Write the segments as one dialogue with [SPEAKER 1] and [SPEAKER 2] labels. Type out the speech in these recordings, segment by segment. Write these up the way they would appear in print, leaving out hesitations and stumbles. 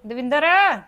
[SPEAKER 1] ਦਵਿੰਦਰ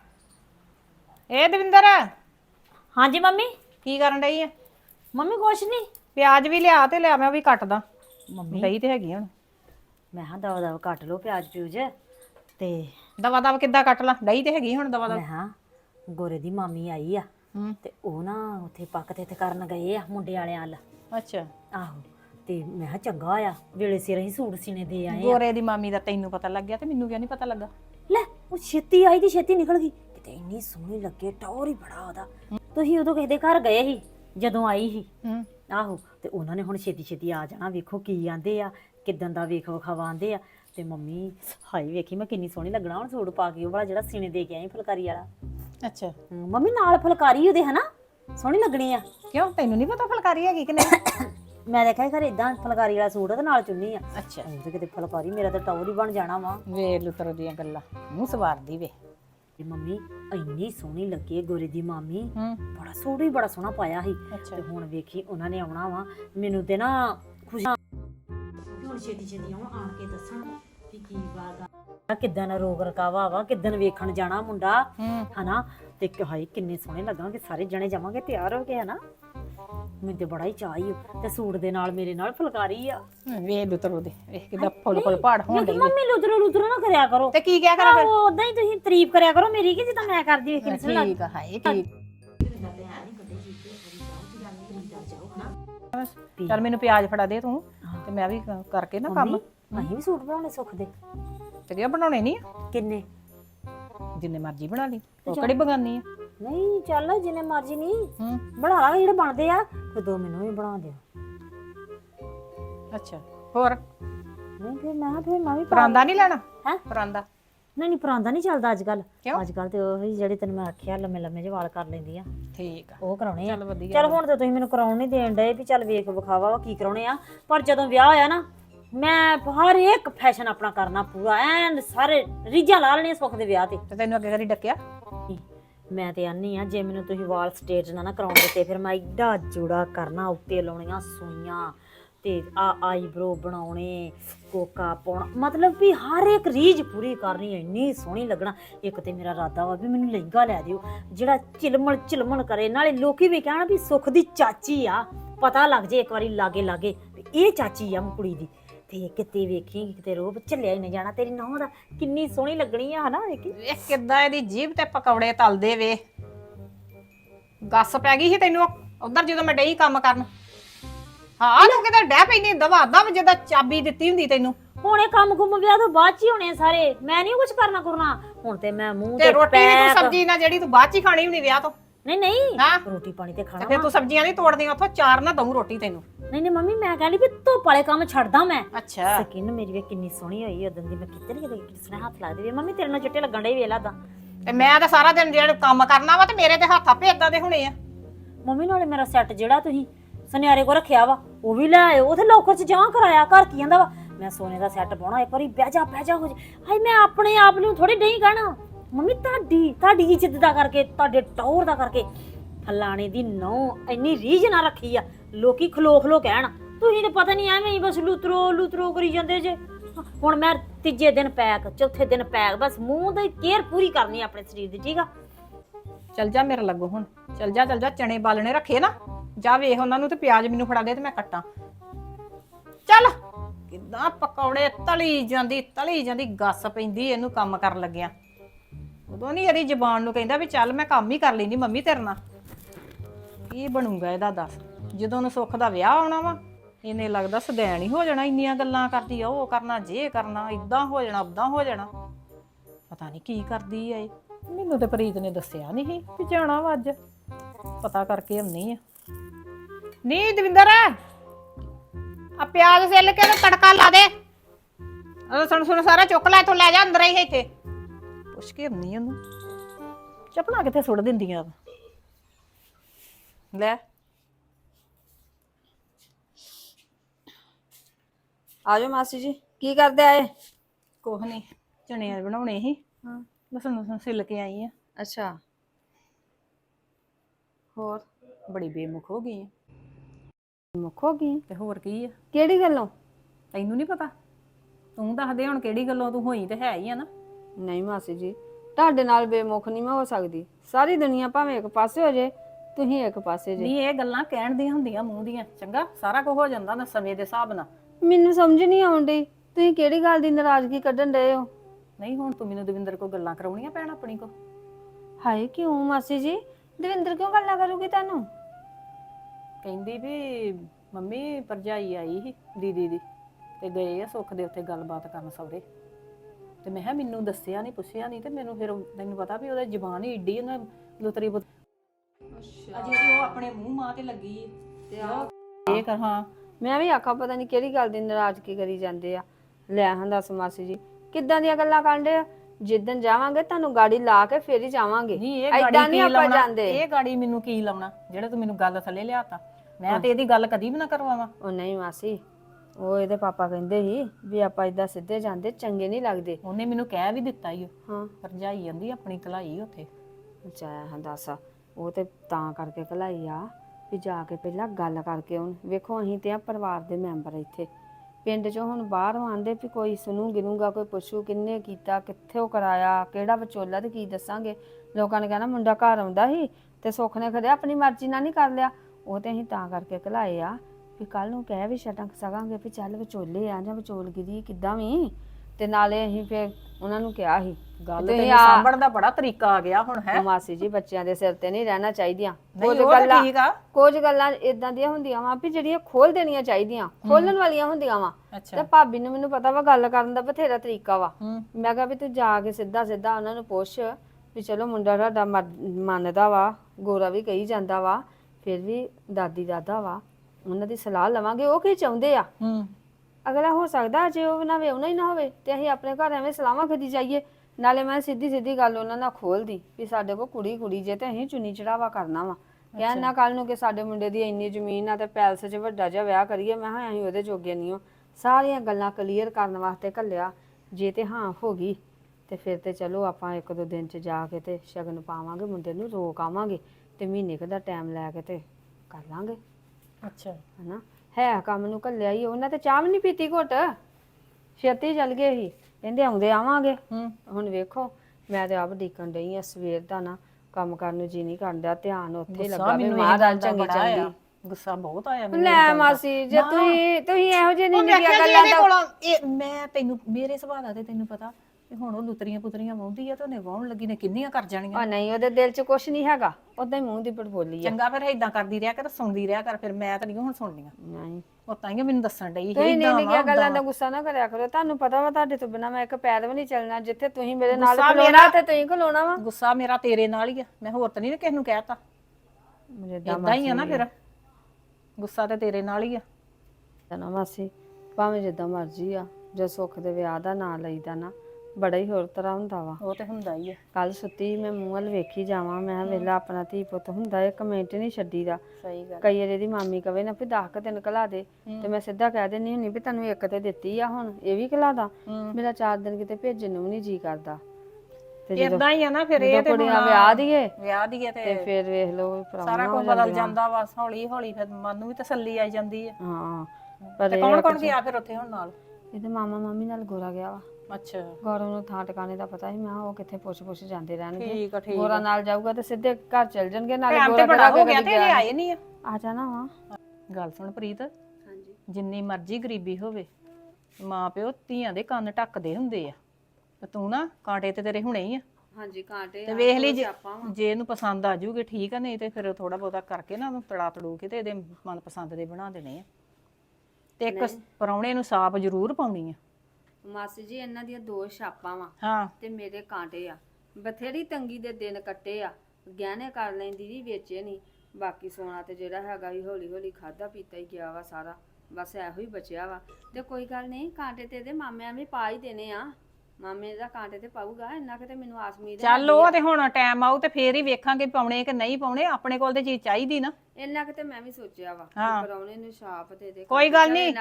[SPEAKER 1] ਦਵਿੰਦਰ
[SPEAKER 2] ਹਾਂਜੀ ਮੰਮੀ।
[SPEAKER 1] ਕੀ ਕਰਨ ਡਈ ਆ?
[SPEAKER 2] ਮੰਮੀ ਕੁਛ ਨਹੀਂ।
[SPEAKER 1] ਪਿਆਜ਼ ਵੀ ਲਿਆ ਤੇ ਲਿਆ ਮੈਂ ਵੀ ਕੱਟਦਾ।
[SPEAKER 2] ਮੰਮੀ
[SPEAKER 1] ਡਈ ਤੇ ਹੈਗੀ ਹੁਣ।
[SPEAKER 2] ਮੈਂ ਹਾਂ ਦਵਾ ਦਵਾ ਕੱਟ ਲਓ ਪਿਆਜ਼ ਪਿਊਜ਼ ਤੇ
[SPEAKER 1] ਦਵਾ ਦਵਾ ਕਿੱਦਾਂ ਕੱਟ ਲਾ? ਡਈ ਤੇ ਹੈਗੀ ਹੁਣ ਦਵਾ
[SPEAKER 2] ਮੈਂ
[SPEAKER 1] ਦਵਾ।
[SPEAKER 2] ਹਾਂ ਗੋਰੇ ਦੀ ਮਾਮੀ ਆਈ ਆ
[SPEAKER 1] ਹੂੰ
[SPEAKER 2] ਤੇ ਉਹ ਨਾ ਉੱਥੇ ਪੱਕ ਤੇ ਕਰਨ ਗਏ ਆ ਮੁੰਡੇ ਵਾਲਿਆਂ ਵੱਲ।
[SPEAKER 1] ਅੱਛਾ।
[SPEAKER 2] ਆਹੋ ਤੇ ਮੈਂ ਕਿਹਾ ਚੰਗਾ ਆ ਵੇਲੇ ਸਿਰ ਹੀ ਸੂਟ ਸੀਨੇ ਦੇ ਆਏ ਆ।
[SPEAKER 1] ਗੋਰੇ ਦੀ ਮਾਮੀ ਦਾ ਤੈਨੂੰ ਪਤਾ ਲੱਗ ਗਿਆ ਤੇ ਮੈਨੂੰ ਕਿਉਂ ਨਹੀਂ ਪਤਾ ਲੱਗਾ?
[SPEAKER 2] ਲੈ ਉਹ ਛੇਤੀ ਆਈ ਤੇ ਛੇਤੀ ਨਿਕਲ ਗਈ ਕਿਤੇ ਇੰਨੀ ਸੋਹਣੀ ਲੱਗੇ ਟੌਰ ਹੀ ਬੜਾ ਉਹਦਾ। ਤੁਸੀਂ ਉਦੋਂ ਕਿਸੇ ਦੇ ਘਰ ਗਏ ਸੀ ਜਦੋਂ ਆਈ ਸੀ।
[SPEAKER 1] ਹੂੰ
[SPEAKER 2] ਆਹੋ ਤੇ ਉਹਨਾਂ ਨੇ ਹੁਣ ਛੇਤੀ ਛੇਤੀ ਆ ਜਾਣਾ। ਵੇਖੋ ਕੀ ਆਂਦੇ ਆ ਕਿਦਾਂ ਦਾ ਵੇਖ ਵਿਖਾਵਾ ਆਂਦੇ ਆ। ਤੇ ਮੰਮੀ ਹਾਈ ਵੇਖੀ ਮੈਂ ਕਿੰਨੀ ਸੋਹਣੀ ਲੱਗਣਾ ਹੁਣ ਸੂਟ ਪਾ ਕੇ ਉਹ ਵਾਲਾ ਜਿਹੜਾ ਸੀਨੇ ਦੇ ਕੇ ਆਈ ਫੁਲਕਾਰੀ ਵਾਲਾ।
[SPEAKER 1] ਅੱਛਾ।
[SPEAKER 2] ਮੰਮੀ ਨਾਲ ਫੁਲਕਾਰੀ ਉਹਦੇ ਹਨਾ ਸੋਹਣੀ ਲੱਗਣੀ ਆ।
[SPEAKER 1] ਕਿਉਂ ਤੈਨੂੰ ਨਹੀਂ ਪਤਾ ਫੁਲਕਾਰੀ ਹੈਗੀ ਕਿ ਨਹੀਂ?
[SPEAKER 2] ਮੈਂ ਦੇਖਿਆ ਘਰ ਇਦਾਂ ਫੁਲਕਾਰੀ ਵਾਲਾ ਸੂਟ ਤੇ ਨਾਲ ਚੁੰਨੀ ਆ।
[SPEAKER 1] ਅੱਛਾ।
[SPEAKER 2] ਉਹ ਤੇ ਕਿਤੇ ਫੁਲਕਾਰੀ ਮੇਰਾ ਤਾਂ ਟੌਰ ਹੀ ਬਣ ਜਾਣਾ ਵਾ।
[SPEAKER 1] ਵੇ ਲੁੱਤਰ ਦੀਆਂ ਗੱਲਾਂ ਮੂੰਹ ਸਵਾਰਦੀ ਵੇ।
[SPEAKER 2] ਤੇ ਮੰਮੀ ਇੰਨੀ ਸੋਹਣੀ ਲੱਗੀ ਗੋਰੇ ਦੀ ਮਾਮੀ।
[SPEAKER 1] ਹੂੰ
[SPEAKER 2] ਬੜਾ ਸੂਟ ਵੀ ਬੜਾ ਸੋਹਣਾ ਪਾਇਆ ਸੀ।
[SPEAKER 1] ਅੱਛਾ।
[SPEAKER 2] ਤੇ ਹੁਣ ਵੇਖੀ ਉਹਨਾਂ ਨੇ ਆਉਣਾ ਵਾ ਮੈਨੂੰ ਤੇ ਨਾ ਖੁਸ਼ੀ ਹੁਣ ਛੇਤੀ ਛੇਤੀ ਆਣ ਕੇ ਦੱਸਣ ਵੀ ਕੀ ਬਾਤ ਆ ਕਿੱਦਾਂ ਦਾ ਰੋਗ ਰਕਾਵਾ ਵਾ ਕਿੱਦਣ ਵੇਖਣ ਜਾਣਾ ਮੁੰਡਾ
[SPEAKER 1] ਹੂੰ
[SPEAKER 2] ਹਨਾ। ਤੇ ਹਾਈ ਕਿੰਨੇ ਸੋਹਣੇ ਲੱਗਾਂਗੇ ਸਾਰੇ ਜਣੇ ਜਾਵਾਂਗੇ ਤਿਆਰ ਹੋ ਕੇ ਹਨਾ। ਮੈਨੂੰ ਤੇ ਬੜਾ ਹੀ ਚਾਅ ਹੀ ਤੇ ਸੂਟ ਦੇ ਨਾਲ ਮੇਰੇ ਨਾਲ ਫੁਲਕਾਰੀ ਆ।
[SPEAKER 1] ਵੇ ਲੁੱਤਰ ਉਹਦੇ ਵੇਖ ਕਿੱਦਾਂ ਫੁੱਲ ਫੁੱਲ ਪਹਾੜ ਹੋਣ ਡਈ ਵੇ।
[SPEAKER 2] ਮੰਮੀ ਲੁਤਰੋ ਲੁਤਰੋ ਨਾ ਕਰਿਆ ਕਰੋ।
[SPEAKER 1] ਤੇ ਕੀ ਕਿਆ ਕਰਾਂ ਫਿਰ?
[SPEAKER 2] ਉਦਾਂ ਹੀ ਤੁਸੀਂ ਤਾਰੀਫ ਕਰਿਆ ਕਰੋ ਮੇਰੀ ਕਿ ਜਿੱਦਾਂ ਮੈਂ ਕਰਦੀ ਵੇਖ ਕਿੰਨੀ ਲੱਗ
[SPEAKER 1] ਠੀਕ ਆ ਹਾਏ ਠੀਕ। ਚੱਲ ਮੈਨੂੰ ਪਿਆਜ਼ ਫੜਾ ਦੇ ਤੂੰ ਤੇ ਮੈਂ ਵੀ ਕਰਕੇ ਨਾ ਕੰਮ।
[SPEAKER 2] ਅਸੀਂ ਵੀ ਸੂਟ ਬਣਾਉਣੇ ਸੁੱਖ ਦੇ
[SPEAKER 1] ਤੇ ਕਿਉਂ ਬਣਾਉਣੇ ਨਹੀਂ?
[SPEAKER 2] ਕਿੰਨੇ
[SPEAKER 1] ਜਿੰਨੇ ਮਰਜ਼ੀ ਬਣਾ ਲਈ ਉਹ ਕਿਹੜੀ ਬਗਾਨੀ ਆ?
[SPEAKER 2] ਨਹੀਂ ਚੱਲ ਜਿੰਨੇ ਮਰਜ਼ੀ ਨਹੀਂ
[SPEAKER 1] ਹੂੰ
[SPEAKER 2] ਬਣਾ ਲਾ ਜਿਹੜੇ ਬਣਦੇ ਆ ਤੇ ਦੋ ਮੈਨੂੰ ਵੀ ਬਣਾ ਦਿਓ।
[SPEAKER 1] ਅੱਛਾ ਹੋਰ
[SPEAKER 2] ਨਹੀਂ ਫਿਰ ਮੈਂ ਵੀ
[SPEAKER 1] ਪਰਾਂਦਾ ਨਹੀਂ ਲੈਣਾ?
[SPEAKER 2] ਹੈਂ?
[SPEAKER 1] ਪਰਾਂਦਾ
[SPEAKER 2] ਨਹੀਂ ਪਰਾਂਦਾ ਨਹੀਂ ਚੱਲਦਾ ਅੱਜ ਕੱਲ।
[SPEAKER 1] ਕਿਉਂ?
[SPEAKER 2] ਅੱਜ ਕੱਲ ਤੇ ਉਹੀ ਜਿਹੜੇ ਤੈਨੂੰ ਮੈਂ ਆਖਿਆ ਲੰਮੇ ਲੰਮੇ ਜਿਹੇ ਵਾਲ ਕਰ ਲੈਂਦੀ ਆ
[SPEAKER 1] ਠੀਕ ਆ
[SPEAKER 2] ਉਹ ਕਰਾਉਣੇ ਆ।
[SPEAKER 1] ਚੱਲ ਵਧੀਆ।
[SPEAKER 2] ਚੱਲ ਹੁਣ ਤਾਂ ਤੁਸੀਂ ਮੈਨੂੰ ਕਰਾਉਣ ਨਹੀਂ ਦੇਣ ਡਏ ਵੀ ਚੱਲ ਵੇਖ ਵਿਖਾਵਾ ਵਾ ਕੀ ਕਰਾਉਣੇ ਆ। ਪਰ ਜਦੋਂ ਵਿਆਹ ਹੋਇਆ ਨਾ ਮੈਂ ਹਰ ਇੱਕ ਫੈਸ਼ਨ ਆਪਣਾ ਕਰਨਾ ਪੂਰਾ ਐਨ ਸਾਰੇ ਰੀਝਾਂ ਲਾ ਲੈਣੀਆਂ ਸੁੱਖ ਦੇ ਵਿਆਹ ਤੇ
[SPEAKER 1] ਤੈਨੂੰ ਅੱਗੇ ਕਰੀ ਡੱਕਿਆ?
[SPEAKER 2] ਮੈਂ ਤੇ ਆਨੀ ਆ ਜੇ ਮੈਨੂੰ ਤੁਸੀਂ ਵਾਲ ਸਟੇਟ ਨਾ ਕਰਾਉਣ ਦਿੱਤੇ ਫਿਰ ਮੈਂ ਐਡਾ ਜੋੜਾ ਕਰਨਾ ਉੱਤੇ ਲਾਉਣੀਆਂ ਸੂਈਆਂ ਤੇ ਆਈਬ੍ਰੋ ਬਣਾਉਣੇ ਕੋਕਾ ਪਾਉਣਾ ਮਤਲਬ ਵੀ ਹਰ ਇੱਕ ਰੀਝ ਪੂਰੀ ਕਰਨੀ ਇੰਨੀ ਸੋਹਣੀ ਲੱਗਣਾ। ਇੱਕ ਤੇ ਮੇਰਾ ਇਰਾਦਾ ਵਾ ਵੀ ਮੈਨੂੰ ਲਹਿੰਗਾ ਲੈ ਦਿਓ ਜਿਹੜਾ ਚਿਲਮਣ ਚਿਲਮਣ ਕਰੇ ਨਾਲੇ ਲੋਕੀ ਵੀ ਕਹਿਣ ਵੀ ਸੁੱਖ ਦੀ ਚਾਚੀ ਆ ਪਤਾ ਲੱਗ ਜੇ ਇੱਕ ਵਾਰੀ ਲਾਗੇ ਲਾਗੇ ਵੀ ਇਹ ਚਾਚੀ ਆ ਕੁੜੀ ਦੀ। ਤੇ ਕਿਤੇ ਵੇਖੀ ਕਿਤੇ ਰੋਬ ਝੱਲਿਆ ਹੀ ਨਹੀਂ ਜਾਣਾ ਤੇਰੀ ਨਹੁੰ ਦਾ ਕਿੰਨੀ ਸੋਹਣੀ ਲੱਗਣੀ ਆ ਹਨਾ। ਵੇਖੀ
[SPEAKER 1] ਵੇਖ ਕਿੱਦਾਂ ਇਹਦੀ ਜੀਭ ਤੇ ਪਕੌੜੇ ਤਲਦੇ ਵੇ। ਗੱਸ ਪੈ ਗਈ ਸੀ ਤੈਨੂੰ ਉਧਰ ਜਦੋਂ ਮੈਂ ਡਈ ਕੰਮ ਕਰਨ। ਹਾਂ ਤੂੰ ਕਿਤੇ ਡਹਿ ਪੈਣੀ ਦਵਾ ਦਵ ਜਿੱਦਾਂ ਚਾਬੀ ਦਿੱਤੀ ਹੁੰਦੀ ਤੈਨੂੰ।
[SPEAKER 2] ਹੁਣ ਇਹ ਕੰਮ ਕੁੰਮ ਵਿਆਹ ਤੋਂ ਬਾਅਦ ਚ ਹੀ ਹੋਣੇ ਸਾਰੇ ਮੈਂ ਨਹੀਂ ਕੁਝ ਕਰਨਾ ਕਰਨਾ ਹੁਣ ਤੇ ਮੈਂ ਮੂੰਹ
[SPEAKER 1] ਤੇ ਰੋਟੀ ਵੀ ਤੂੰ ਸਬਜ਼ੀ ਨਾਲ ਜਿਹੜੀ ਤੂੰ ਬਾਅਦ ਚ ਹੀ ਖਾਣੀ ਹੁੰਦੀ ਵਿਆਹ ਤੋਂ।
[SPEAKER 2] ਨਹੀਂ
[SPEAKER 1] ਹਾਂ
[SPEAKER 2] ਰੋਟੀ ਪਾਣੀ ਤੇ ਖਾਣਾ
[SPEAKER 1] ਤੇ ਫਿਰ ਤੂੰ ਸਬਜ਼ੀਆਂ ਨਹੀਂ ਤੋੜਦੀ ਉੱਥੋਂ ਚਾਰ ਨਾ ਦਊਂ ਰੋਟੀ ਤੈਨੂੰ।
[SPEAKER 2] ਨਹੀਂ ਮੰਮੀ ਮੈਂ ਕਹਿੰਦੀ ਵੀ ਧੁੱਪ ਵਾਲੇ ਕੰਮ ਛੱਡਦਾ ਮੈਂ।
[SPEAKER 1] ਅੱਛਾ
[SPEAKER 2] ਸਕਿਨ ਮੇਰੀ ਵੇ ਕਿੰਨੀ ਸੋਹਣੀ ਹੋਈ ਉਦੋਂ ਦੀ ਮੈਂ ਕਿਤੇ ਨਹੀਂ ਕਿਤੇ ਕਿਸ ਨਾਲ ਹੱਥ ਲੱਗਦੇ ਵੇ ਮੰਮੀ ਤੇਰੇ ਨਾਲ ਚਿੱਟੇ ਲੱਗਣ ਡੇ ਵੇਲਾ ਦਾ।
[SPEAKER 1] ਤੇ ਮੈਂ ਤਾਂ ਸਾਰਾ ਦਿਨ ਜਿਹੜਾ ਕੰਮ ਕਰਨਾ ਵਾ ਤੇ ਮੇਰੇ ਤੇ ਹੱਥ ਆਪੇ ਏਦਾਂ ਦੇ ਹੋਣੇ ਆ।
[SPEAKER 2] ਮੰਮੀ ਨਾਲੇ ਮੇਰਾ ਸੈੱਟ ਜਿਹੜਾ ਤੁਸੀਂ ਸੁਨਿਆਰੇ ਕੋ ਰੱਖਿਆ ਵਾ ਉਹ ਵੀ ਲੈ ਆਇਓ ਉਥੇ ਲੋਕਰ ਚ ਜਾਂ ਕਰਾਇਆ ਘਰ ਕੀ ਜਾਂਦਾ ਵਾ ਮੈਂ ਸੋਨੇ ਦਾ ਸੈੱਟ ਪਾਉਣਾ ਇੱਕ ਵਾਰੀ ਬਹਿ ਜਾ ਹੋ ਜੇ ਹਾਏ ਮੈਂ ਆਪਣੇ ਆਪ ਨੂੰ ਥੋੜੀ ਨਹੀਂ ਕਹਿਣਾ ਮੰਮੀ ਤੁਹਾਡੀ ਇੱਜ਼ਤ ਦਾ ਕਰਕੇ ਤੁਹਾਡੇ ਟੌਰ ਦਾ ਕਰਕੇ ਫਲਾਣੇ ਦੀ ਨੌ ਇੰਨੀ ਰੀਝ ਨਾ ਰੱਖੀ ਆ ਲੋਕੀ ਖਲੋ ਖਲੋ ਕਹਿਣ ਤੁਸੀਂ ਤਾਂ ਪਤਾ ਨਹੀਂ ਐਵੇਂ ਹੀ ਬਸ ਲੁਤਰੋ ਕਰੀ ਜਾਂਦੇ ਜੇ। ਹੁਣ ਮੈਂ ਤੀਜੇ ਦਿਨ ਪੈਕ ਚੌਥੇ ਦਿਨ ਪੈਕ ਬਸ ਮੂੰਹ ਦੀ ਕੇਅਰ ਪੂਰੀ ਕਰਨੀ ਆਪਣੇ ਸਰੀਰ ਦੀ ਠੀਕ ਆ।
[SPEAKER 1] ਚੱਲ ਜਾ ਮੇਰੇ ਲੱਗੋ ਹੁਣ ਚੱਲ ਜਾ ਚਣੇ ਬਾਲਣੇ ਰੱਖੇ ਨਾ ਜਾ ਵੇਖ ਉਹਨਾਂ ਨੂੰ ਤੇ ਪਿਆਜ਼ ਮੈਨੂੰ ਫੜਾ ਦੇ ਤੇ ਮੈਂ ਕੱਟਾਂ। ਚੱਲ ਕਿੱਦਾਂ ਪਕੌੜੇ ਤਲੀ ਜਾਂਦੀ ਗੱਸ ਪੈਂਦੀ ਇਹਨੂੰ ਕੰਮ ਕਰਨ ਲੱਗਿਆ। ਉਦੋਂ ਨਹੀਂ ਇਹਦੀ ਜ਼ਬਾਨ ਨੂੰ ਕਹਿੰਦਾ ਵੀ ਚੱਲ ਮੈਂ ਕੰਮ ਹੀ ਕਰ ਲੈਂਦੀ ਮੰਮੀ ਤੇਰੇ ਨਾਲ। ਕੀ ਬਣੂਗਾ ਇਹਦਾ ਦੱਸ ਜਦੋਂ ਉਹਨੂੰ ਸੁੱਖ ਦਾ ਵਿਆਹ ਆਉਣਾ ਵਾ ਇਹਨੇ ਲੱਗਦਾ ਸਦੈਣ ਹੀ ਹੋ ਜਾਣਾ। ਇੰਨੀਆਂ ਗੱਲਾਂ ਕਰਦੀ ਆ ਉਹ ਕਰਨਾ ਜੇ ਕਰਨਾ ਇਦਾਂ ਹੋ ਜਾਣਾ ਉਦਾਂ ਹੋ ਜਾਣਾ ਪਤਾ ਨਹੀਂ ਕੀ ਕਰਦੀ ਆ ਇਹ। ਮੈਨੂੰ ਤੇ ਪ੍ਰੀਤ ਨੇ ਦੱਸਿਆ ਨਹੀਂ ਸੀ ਵੀ ਜਾਣਾ ਵਾ ਅੱਜ ਪਤਾ ਕਰਕੇ ਆਉਣੀ ਆ। ਨਹੀਂ ਦਵਿੰਦਰ ਆ ਪਿਆਜ਼ ਸਿੱਲ ਕੇ ਤੜਕਾ ਲਾ ਦੇ। ਸੁਣ ਸਾਰਾ ਚੁੱਕ ਲੈ ਤੂੰ ਲੈ ਜਾ ਅੰਦਰ ਹੀ ਇੱਥੇ ਪੁੱਛ ਕੇ ਆਉਣੀ ਉਹਨੂੰ ਚੱਪਲਾਂ ਕਿੱਥੇ ਸੁੱਟ ਦਿੰਦੀਆਂ ਲੈ।
[SPEAKER 3] ਆਜੋ ਮਾਸੀ ਜੀ ਕੀ ਕਰਦੇ ਆਏ?
[SPEAKER 1] ਕੁਛ ਨਹੀਂ ਚਣੇ ਬਣਾਉਣੇ ਸੀ।
[SPEAKER 3] ਹਾਂ
[SPEAKER 1] ਲਸਣ ਸਿੱਲ ਕੇ ਆਈ ਆ।
[SPEAKER 3] ਅੱਛਾ ਹੋਰ
[SPEAKER 1] ਬੜੀ ਬੇਮੁਖ ਹੋ ਗਈ ਆ।
[SPEAKER 3] ਮੁੱਕ ਹੋ ਗਈ
[SPEAKER 1] ਤੇ ਹੋਰ ਕੀ ਆ?
[SPEAKER 3] ਕਿਹੜੀ ਗੱਲੋਂ?
[SPEAKER 1] ਤੈਨੂੰ ਨਹੀਂ ਪਤਾ? ਤੂੰ ਦੱਸ ਦੇ ਹੁਣ ਕਿਹੜੀ ਗੱਲੋਂ ਤੂੰ ਹੋਈ ਤੇ ਹੈ ਹੀ ਆ ਨਾ।
[SPEAKER 3] ਨਹੀਂ ਮਾਸੀ ਜੀ ਤੁਹਾਡੇ ਨਾਲ ਬੇਮੁਖ ਨਹੀਂ ਮੈਂ ਹੋ ਸਕਦੀ। ਸਾਰੀ ਦੁਨੀਆ ਭਾਵੇਂ ਇੱਕ ਪਾਸੇ ਹੋ ਜੇ, ਤੁਸੀਂ ਇੱਕ ਪਾਸੇ ਜੇ।
[SPEAKER 1] ਨਹੀਂ ਇਹ ਗੱਲਾਂ ਕਹਿਣ ਦੀਆਂ ਹੁੰਦੀਆਂ ਮੂੰਹ ਦੀਆਂ, ਚੰਗਾ ਸਾਰਾ ਕੁਝ ਹੋ ਜਾਂਦਾ ਨਾ ਸਮੇਂ ਦੇ ਹਿਸਾਬ ਨਾਲ।
[SPEAKER 3] ਮੈਨੂੰ ਸਮਝ ਨਹੀਂ ਆਉਂਦੀ ਤੁਸੀਂ ਕਿਹੜੀ ਗੱਲ ਦੀ ਨਾਰਾਜ਼ਗੀ ਕੱਢਣ ਡਏ ਹੋ।
[SPEAKER 1] ਨਹੀਂ ਹੁਣ ਤੂੰ ਮੈਨੂੰ ਦਵਿੰਦਰ ਕੋਲ ਗੱਲਾਂ ਕਰਾਉਣੀਆਂ ਪੈਣ ਆਪਣੀ ਕੋ।
[SPEAKER 3] ਹਾਏ ਕਿਉਂ ਮਾਸੀ ਜੀ, ਦਵਿੰਦਰ ਕਿਉਂ ਗੱਲਾਂ ਕਰੂਗੀ ਤੁਹਾਨੂੰ?
[SPEAKER 1] ਕਹਿੰਦੀ ਵੀ ਮੰਮੀ ਭਰਜਾਈ ਆਈ ਸੀ ਦੀਦੀ ਦੀ ਤੇ ਗਏ ਆ ਸੁੱਖ ਦੇ ਉੱਤੇ ਗੱਲਬਾਤ ਕਰਨ ਸਹੁਰੇ। ਤੇ ਮੈਂ ਕਿਹਾ ਮੈਨੂੰ ਦੱਸਿਆ ਨਹੀਂ ਪੁੱਛਿਆ ਨਹੀਂ, ਤੇ ਮੈਨੂੰ ਫਿਰ ਤੈਨੂੰ ਪਤਾ ਵੀ ਉਹਦੀ ਜ਼ੁਬਾਨ ਹੀ ਏਡੀ ਉਹਨੇ ਲੁਤਰੀ ਅਜੇ ਵੀ ਉਹ ਆਪਣੇ ਮੂੰਹ ਮਾਂ ਤੇ ਲੱਗੀ ਤੇ ਇਹ ਕਰ। ਹਾਂ
[SPEAKER 3] ਮੈਂ ਵੀ ਆਖਾਂ ਪਤਾ ਨਹੀਂ ਕਿਹੜੀ ਗੱਲ ਦੀ ਨਾਰਾਜ਼ਗੀ ਕਰੀ ਜਾਂਦੇ ਆ। ਲੈ ਹਾਂ ਦੱਸ ਮਾਸੀ ਜੀ ਕਿੱਦਾਂ ਦੀਆਂ ਗੱਲਾਂ ਕਰਦੇ ਆ। ਜਿੱਦਣ ਜਾਵਾਂਗੇ ਤੁਹਾਨੂੰ ਗਾੜੀ ਲਾ ਕੇ ਫੇਰ ਹੀ ਜਾਵਾਂਗੇ।
[SPEAKER 1] ਨਹੀਂ ਇਹ
[SPEAKER 3] ਏਦਾਂ
[SPEAKER 1] ਗਾੜੀ
[SPEAKER 3] ਨਹੀਂ
[SPEAKER 1] ਕੀ
[SPEAKER 3] ਆਪਾਂ
[SPEAKER 1] ਲਾਉਣਾ,
[SPEAKER 3] ਜਾਂਦੇ।
[SPEAKER 1] ਇਹ ਗਾੜੀ ਮੈਨੂੰ ਕੀ ਲਾਉਣਾ ਜਿਹੜਾ ਤੂੰ ਮੈਨੂੰ ਗੱਲ ਥੱਲੇ ਲਿਆਤਾ। ਮੈਂ ਤੇ ਇਹਦੀ ਗੱਲ ਕਦੀ ਵੀ ਨਾ ਕਰਵਾਵਾਂ।
[SPEAKER 3] ਉਹ ਨਹੀਂ ਮਾਸੀ, ਉਹ ਇਹਦੇ ਪਾਪਾ ਕਹਿੰਦੇ ਸੀ ਵੀ ਆਪਾਂ ਏਦਾਂ ਸਿੱਧੇ ਜਾਂਦੇ ਚੰਗੇ ਨਹੀਂ ਲੱਗਦੇ।
[SPEAKER 1] ਉਹਨੇ ਮੈਨੂੰ ਕਹਿ ਵੀ ਦਿੱਤਾ ਹੀ
[SPEAKER 3] ਹਾਂ
[SPEAKER 1] ਭਰਜਾਈ ਜਾਂਦੀ ਆਪਣੀ ਕਲਾਈ ਉੱਥੇ।
[SPEAKER 3] ਅੱਛਾ ਹਾਂ ਦੱਸ, ਉਹ ਤੇ ਤਾਂ ਕਰਕੇ ਘਲਾਈ ਆ ਵੀ ਜਾ ਕੇ ਪਹਿਲਾਂ ਗੱਲ ਕਰਕੇ ਆਉਣ। ਵੇਖੋ ਅਸੀਂ ਤੇ ਆ ਪਰਿਵਾਰ ਦੇ ਮੈਂਬਰ ਇੱਥੇ ਪਿੰਡ ਚੋਂ, ਹੁਣ ਬਾਹਰੋਂ ਆਂਦੇ ਵੀ ਕੋਈ ਸੁਣੂ ਗਿਨੂਗਾ, ਕੋਈ ਪੁੱਛੂ ਕਿੰਨੇ ਕੀਤਾ, ਕਿੱਥੋਂ ਕਰਾਇਆ, ਕਿਹੜਾ ਵਿਚੋਲਾ, ਤੇ ਕੀ ਦੱਸਾਂਗੇ। ਲੋਕਾਂ ਨੇ ਕਹਿਣਾ ਮੁੰਡਾ ਘਰ ਆਉਂਦਾ ਸੀ ਤੇ ਸੁੱਖ ਨੇ ਖੜਿਆ ਆਪਣੀ ਮਰਜ਼ੀ ਨਾਲ ਨਹੀਂ ਕਰ ਲਿਆ। ਉਹ ਤੇ ਅਸੀਂ ਤਾਂ ਕਰਕੇ ਘਲਾਏ ਆ ਵੀ ਕੱਲ ਨੂੰ ਕਹਿ ਵੀ ਸਕਾਂਗੇ ਵੀ ਚੱਲ ਵਿਚੋਲੇ ਆ ਜਾਂ ਵਿਚੋਲਗਿਰੀ ਕਿੱਦਾਂ ਵੀ। ਤੇ ਨਾਲੇ ਅਸੀਂ ਫਿਰ ਉਹਨਾਂ ਨੂੰ ਕਿਹਾ ਸੀ
[SPEAKER 1] ਗੱਲ ਤੇ ਸਾਂਭਣ ਦਾ ਬੜਾ ਤਰੀਕਾ ਆ ਗਿਆ ਹੁਣ ਹੈ।
[SPEAKER 3] ਮਾਸੀ ਜੀ ਬੱਚਿਆਂ ਦੇ ਸਿਰ ਤੇ ਨਹੀਂ ਰਹਿਣਾ ਚਾਹੀਦੀਆਂ।
[SPEAKER 1] ਨਹੀਂ ਉਹ ਤਾਂ ਠੀਕ ਆ।
[SPEAKER 3] ਕੁਝ ਗੱਲਾਂ ਇਦਾਂ ਦੀਆਂ ਹੁੰਦੀਆਂ ਵਾ ਵੀ ਜਿਹੜੀਆਂ ਖੋਲ ਦੇਣੀਆਂ ਚਾਹੀਦੀਆਂ, ਖੋਲਣ ਵਾਲੀਆਂ ਹੁੰਦੀਆਂ ਵਾ।
[SPEAKER 1] ਅੱਛਾ
[SPEAKER 3] ਤੇ ਭਾਬੀ ਨੂੰ ਮੈਨੂੰ ਪਤਾ ਵਾ ਗੱਲ ਕਰਨ ਦਾ ਬਥੇਰਾ ਤਰੀਕਾ ਵਾ।
[SPEAKER 1] ਹੂੰ
[SPEAKER 3] ਮੈਂ ਕਿਹਾ ਵੀ ਤੂੰ ਜਾ ਕੇ ਸਿੱਧਾ ਸਿੱਧਾ ਉਹਨਾਂ ਨੂੰ ਪੁੱਛ ਵੀ ਚਲੋ ਮੁੰਡਾ ਤੁਹਾਡਾ ਮੰਨਦਾ ਵਾ, ਗੋਰਾ ਵੀ ਕਹੀ ਜਾਂਦਾ ਵਾ, ਫਿਰ ਵੀ ਦਾਦੀ ਦਾਦਾ ਵਾ, ਉਹਨਾਂ ਦੀ ਸਲਾਹ ਲਵਾਂਗੇ ਉਹ ਕੀ ਚਾਹੁੰਦੇ ਆ।
[SPEAKER 1] ਹੂੰ
[SPEAKER 3] ਅਗਲਾ ਹੋ ਸਕਦਾ ਜੇ ਉਹ ਨਾ ਵਿਆਹੁਣਾ ਹੀ ਨਾ ਹੋਵੇ ਤੇ ਅਸੀਂ ਆਪਣੇ ਘਰ ਐਵੇਂ ਸਲਾਹਾਂ ਖਦੀ ਜਾਈਏ। ਨਾਲੇ ਮੈਂ ਸਿੱਧੀ ਸਿੱਧੀ ਗੱਲ ਉਹਨਾਂ ਨਾਲ ਖੋਲਦੀ ਵੀ ਸਾਡੇ ਕੋਲ ਕੁੜੀ ਜੇ ਤੇ ਅਸੀਂ ਚੁੰਨੀ ਚੜਾਵਾ ਕਰਨਾ ਵਾ। ਕਹਿਣ ਨਾ ਕੱਲ ਨੂੰ ਕਿ ਸਾਡੇ ਮੁੰਡੇ ਦੀ ਇੰਨੀ ਜ਼ਮੀਨ ਆ ਤੇ ਪੈਲਸ 'ਚ ਵੱਡਾ ਜਿਹਾ ਵਿਆਹ ਕਰੀਏ। ਮੈਂ ਕਿਹਾ ਅਸੀਂ ਉਹਦੇ ਜੋਗੇ ਨਹੀਂ ਹੋ। ਸਾਰੀਆਂ ਗੱਲਾਂ ਕਲੀਅਰ ਕਰਨ ਵਾਸਤੇ ਘੱਲਿਆ। ਜੇ ਤੇ ਹਾਂ ਹੋ ਗਈ ਤੇ ਫਿਰ ਤੇ ਚਲੋ ਆਪਾਂ ਇੱਕ ਦੋ ਦਿਨ 'ਚ ਜਾ ਕੇ ਤੇ ਸ਼ਗਨ ਪਾਵਾਂਗੇ, ਮੁੰਡੇ ਨੂੰ ਰੋਕ ਆਵਾਂਗੇ ਤੇ ਮਹੀਨੇ ਕੁ ਦਾ ਟਾਈਮ ਲੈ ਕੇ ਤੇ ਕਰ ਲਾਂਗੇ।
[SPEAKER 1] ਅੱਛਾ
[SPEAKER 3] ਹਨਾ ਹੈ ਕੰਮ ਨੂੰ ਘੱਲਿਆ ਹੀ। ਉਹਨਾਂ ਤੇ ਚਾਹ ਵੀ ਨਹੀਂ ਪੀਤੀ ਘੁੱਟ, ਛੇਤੀ ਚੱਲ ਗਏ ਸੀ, ਕਹਿੰਦੇ ਆਉਂਦੇ ਆਵਾਂਗੇ। ਹੁਣ ਵੇਖੋ ਮੈਂ ਤੇ ਆਪ ਡੀਕਣ ਡਈ ਆ ਸਵੇਰ ਦਾ, ਨਾ ਕੰਮ ਕਰਨ ਨੂੰ ਜੀ ਨਹੀਂ ਕਰਦਾ, ਧਿਆਨ ਉੱਥੇ ਲੱਗਾ ਵੀ ਮਾਂ ਚੰਗੀ ਚੰਗੀ।
[SPEAKER 1] ਗੁੱਸਾ ਬਹੁਤ ਆਇਆ ਮੈਨੂੰ।
[SPEAKER 3] ਲੈ ਮਾਸੀ ਜੇ ਤੁਸੀਂ ਇਹੋ ਜਿਹੇ ਨਹੀਂ ਨਿੱਕੀਆਂ ਗੱਲਾਂ ਦਾ।
[SPEAKER 1] ਮੈਂ ਤੈਨੂੰ ਮੇਰੇ ਸੁਭਾਅ ਦਾ ਤੇ ਤੈਨੂੰ ਪਤਾ ਵੀ ਹੁਣ ਉਹ ਲੁਤਰੀਆਂ ਪੁਤਰੀਆਂ ਵਾਉਂਦੀ ਆ ਤੇ ਉਹਨੇ ਵਾਉਣ ਲੱਗੀ ਨੇ ਕਿੰਨੀਆਂ ਕਰ ਜਾਣੀਆਂ।
[SPEAKER 3] ਉਹ ਨਹੀਂ ਉਹਦੇ ਦਿਲ 'ਚ ਕੁਛ ਨਹੀਂ ਹੈਗਾ, ਉਦਾਂ ਹੀ ਮੂੰਹ ਦੀ ਬੜਬੋਲੀ ਆ।
[SPEAKER 1] ਚੰਗਾ ਫਿਰ ਏਦਾਂ ਕਰਦੀ ਰਿਹਾ ਕਰ, ਸੁਣਦੀ ਰਿਹਾ ਕਰ। ਫਿਰ ਮੈਂ ਤਾਂ ਨਹੀਂ ਹੁਣ ਸੁਣਨੀਆਂ।
[SPEAKER 3] ਨਹੀਂ
[SPEAKER 1] ਉਹ ਤਾਂ ਹੀ ਮੈਨੂੰ ਦੱਸਣ ਡਈ
[SPEAKER 3] ਤੁਸੀਂ ਨਿੱਕੀਆਂ ਗੱਲਾਂ ਦਾ ਗੁੱਸਾ ਨਾ ਕਰਿਆ ਕਰੋ। ਤੁਹਾਨੂੰ ਪਤਾ ਵਾ ਤੁਹਾਡੇ ਤੋਂ ਬਿਨਾਂ ਮੈਂ ਇੱਕ ਪੈਰ ਵੀ ਨਹੀਂ ਚੱਲਣਾ। ਜਿੱਥੇ ਤੁਸੀਂ ਮੇਰੇ ਨਾਲ ਖਲੋਣਾ ਤੇ ਤੁਸੀਂ ਖਲੋਣਾ ਵਾ।
[SPEAKER 1] ਗੁੱਸਾ ਮੇਰਾ ਤੇਰੇ ਨਾਲ ਹੀ ਆ, ਮੈਂ ਹੋਰ ਤਾਂ ਨਹੀਂ ਕਿਸੇ ਨੂੰ ਕਹਿਤਾ। ਏਦਾਂ ਹੀ ਆ ਨਾ ਫਿਰ, ਗੁੱਸਾ ਤੇ ਤੇਰੇ ਨਾਲ ਹੀ ਆ
[SPEAKER 3] ਨਾ ਮਾਸੀ। ਭਾਵੇਂ ਜਿੱਦਾਂ ਮਰਜ਼ੀ ਆ, ਜੇ ਸੁੱਖ ਦੇ ਵਿਆਹ ਦਾ ਨਾਂ ਲਈਦਾ ਨਾ ਬੜਾ ਹੀ ਹੋਰ ਤਰ੍ਹਾਂ ਹੁੰਦਾ ਵਾ।
[SPEAKER 1] ਉਹ ਤੇ ਹੁੰਦਾ ਹੀ ਆ।
[SPEAKER 3] ਕੱਲ ਸੁੱਤੀ ਮੈਂ ਮੂੰਹ ਵੱਲ ਵੇਖੀ ਜਾਵਾਂ, ਮੈਂ ਵੇਲਾ ਆਪਣਾ ਧੀ ਪੁੱਤ ਹੁੰਦਾ ਇੱਕ ਮਿੰਟ ਨਹੀਂ ਛੱਡੀਦਾ।
[SPEAKER 1] ਸਹੀ ਗੱਲ।
[SPEAKER 3] ਕਈ ਵਾਰ ਇਹਦੀ ਮਾਮੀ ਕਵੇ ਨਾ ਵੀ 10 ਦਿਨ ਘਲਾ ਦੇ ਤੇ ਮੈਂ ਸਿੱਧਾ ਕਹਿ ਦਿੰਦੀ ਹੁੰਦੀ ਵੀ ਤੈਨੂੰ ਇੱਕ ਤੇ ਦਿੱਤੀ ਆ, ਹੁਣ ਇਹ ਵੀ ਘਲਾ ਦਾ। ਮੇਰਾ 4 ਦਿਨ ਕਿਤੇ ਭੇਜਣ ਨੂੰ ਵੀ ਨਹੀਂ ਜੀ ਕਰਦਾ। ਤੇ
[SPEAKER 1] ਏਦਾਂ ਹੀ ਆ ਨਾ ਫਿਰ। ਇਹ ਤੇ
[SPEAKER 3] ਕੁੜੀਆਂ ਵਿਆਹ ਦੀਏ
[SPEAKER 1] ਤੇ
[SPEAKER 3] ਫਿਰ ਵੇਖ ਲਓ
[SPEAKER 1] ਸਾਰਾ ਕੁਝ ਬਦਲ ਜਾਂਦਾ ਵਾ ਹੌਲੀ ਹੌਲੀ। ਫਿਰ ਮਨ ਨੂੰ ਵੀ ਤਸੱਲੀ ਆਈ ਜਾਂਦੀ ਆ।
[SPEAKER 3] ਹਾਂ ਪਰ
[SPEAKER 1] ਤੇ ਕੌਣ ਕੌਣ ਗਿਆ ਫਿਰ ਉੱਥੇ ਹੁਣ ਨਾਲ?
[SPEAKER 3] ਇਹਦੇ ਮਾਮਾ ਮਾਮੀ ਨਾਲ ਗੋਰਾ ਗਿਆ ਵਾ।
[SPEAKER 1] ਅੱਛਾ
[SPEAKER 3] ਗੌਰਵ ਨੂੰ ਥਾਂ ਟਿਕਾਣੇ ਦਾ ਪਤਾ ਸੀ। ਮੈਂ ਉਹ ਕਿੱਥੇ ਪੁੱਛ ਜਾਂਦੇ ਰਹਿਣਗੇ।
[SPEAKER 1] ਠੀਕ ਆ ਠੀਕ।
[SPEAKER 3] ਗੋਰਾ ਨਾਲ ਜਾਊਗਾ ਤੇ ਸਿੱਧੇ ਘਰ ਚਲ ਜਾਣਗੇ। ਨਾਲੇ
[SPEAKER 1] ਟਾਈਮ ਤੇ ਬੜਾ ਹੋ ਗਿਆ ਤੇ ਇਹ ਆਏ ਨਹੀਂ ਆ।
[SPEAKER 3] ਆ ਜਾਣਾ ਵਾ।
[SPEAKER 1] ਗੱਲ ਸੁਣ ਪ੍ਰੀਤ,
[SPEAKER 3] ਹਾਂਜੀ
[SPEAKER 1] ਜਿੰਨੀ ਮਰਜ਼ੀ ਗਰੀਬੀ ਹੋਵੇ, ਮਾਂ ਪਿਓ ਧੀਆਂ ਦੇ ਕੰਨ ਢੱਕਦੇ ਹੁੰਦੇ ਆ। ਤੇ ਤੂੰ ਨਾ ਕਾਂਟੇ ਤੇ ਤੇਰੇ ਹੁਣੇ ਹੀ ਆ।
[SPEAKER 3] ਹਾਂਜੀ ਕਾਂਟੇ
[SPEAKER 1] ਤੇ ਵੇਖ ਲਈ ਜੇ ਇਹਨੂੰ ਪਸੰਦ ਆ ਜੂਗੀ ਠੀਕ ਆ, ਨਹੀਂ ਤੇ ਫਿਰ ਥੋੜਾ ਬਹੁਤਾ ਕਰਕੇ ਨਾ ਉਹਨੂੰ ਤੜਾ ਤੜੂ ਕੇ ਤੇ ਇਹਦੇ ਮਨ ਪਸੰਦ ਦੇ ਬਣਾ ਦੇਣੇ ਆ। ਤੇ ਇੱਕ ਪਰੌਣੇ ਨੂੰ ਸਾਪ ਜ਼ਰੂਰ ਪਾਉਣੀ ਆ।
[SPEAKER 3] ਮਾਸੀ ਜੀ ਇਹਨਾਂ ਦੀਆਂ 2 ਛਾਪਾਂ ਵਾ
[SPEAKER 1] ਹਾਂ
[SPEAKER 3] ਤੇ ਮੇਰੇ ਕਾਂਟੇ ਆ। ਬਥੇਰੀ ਤੰਗੀ ਦੇ ਦਿਨ ਕੱਟੇ ਆ। ਗਹਿਣੇ ਕਰ ਲੈਂਦੀ ਜੀ, ਵੇਚੇ ਨਹੀਂ। ਬਾਕੀ ਸੋਨਾ ਤੇ ਜਿਹੜਾ ਹੈਗਾ ਹੀ ਹੌਲੀ ਹੌਲੀ ਖਾਦਾ ਪੀਤਾ ਹੀ ਗਿਆ ਵਾ ਸਾਰਾ। ਬਸ ਇਹੋ ਹੀ ਬਚਿਆ ਵਾ। ਤੇ ਕੋਈ ਗੱਲ ਨਹੀਂ, ਕਾਂਟੇ ਤੇ ਇਹਦੇ ਮਾਮਿਆਂ ਵੀ ਪਾ ਹੀ ਦੇਣੇ ਆ। ਮਾਮੇ ਦਾ ਕਾਂਟੇ ਤੇ ਪਾਊਗਾ, ਇੰਨਾ ਕਿਤੇ ਮੈਨੂੰ ਆਸ ਉਮੀਦ ਹੈ।
[SPEAKER 1] ਚੱਲ ਉਹ ਤੇ ਹੁਣ ਟਾਈਮ ਆਊ ਤੇ ਫੇਰ ਹੀ ਵੇਖਾਂਗੇ ਪਾਉਣੇ ਕਿ ਨਹੀਂ ਪਾਉਣੇ। ਆਪਣੇ ਕੋਲ ਤੇ ਚੀਜ਼ ਚਾਹੀਦੀ ਨਾ।
[SPEAKER 3] ਇੰਨਾ ਕਿਤੇ ਮੈਂ ਵੀ ਸੋਚਿਆ ਵਾ ਪਰੌਣੇ ਨੂੰ ਛਾਪ ਦੇ ਦੇ।
[SPEAKER 1] ਕੋਈ ਗੱਲ ਨਹੀਂ,